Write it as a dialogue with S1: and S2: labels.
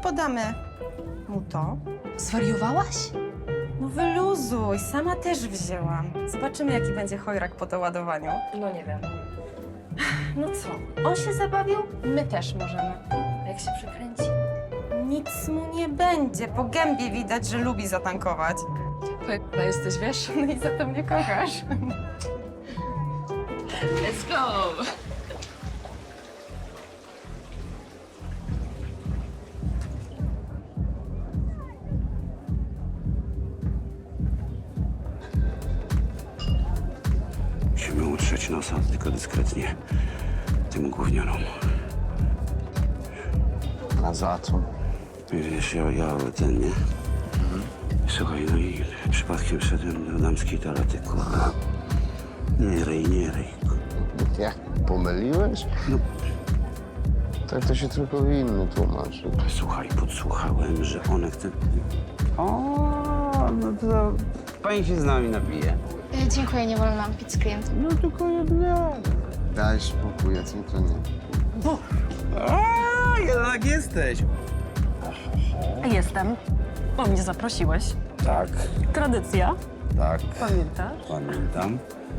S1: podamy mu to.
S2: Zwariowałaś?
S1: No wyluzuj, sama też wzięłam. Zobaczymy, jaki będzie chojrak po doładowaniu.
S2: No nie wiem.
S1: No co, on się zabawił? My też możemy.
S2: A jak się przekręci?
S1: Nic mu nie będzie. Po gębie widać, że lubi zatankować.
S2: Pewna jesteś, wiesz?
S1: No i za to mnie kochasz.
S2: Let's go!
S3: Musimy utrzeć nosa, tylko dyskretnie. Tym gównianom.
S4: A za co?
S3: Wiesz, ja ten, nie? Słuchaj, no i przypadkiem wszedłem do damskiej toalety, kurwa. Nie ryj.
S4: Jak? Pomyliłeś?
S3: No.
S4: Tak to się tylko winny tłumaczy.
S3: Słuchaj, podsłuchałem, że one chce... O, no to pani się z nami napije.
S5: Dziękuję, nie wolno nam pić z klientem.
S3: No tylko jedna.
S4: Daj spokój, co to nie.
S3: A, jednak jesteś.
S6: Jestem. Bo mnie zaprosiłeś.
S3: Tak,
S6: Tradycja.
S3: tak.
S6: Pamiętasz?
S3: Pamiętam.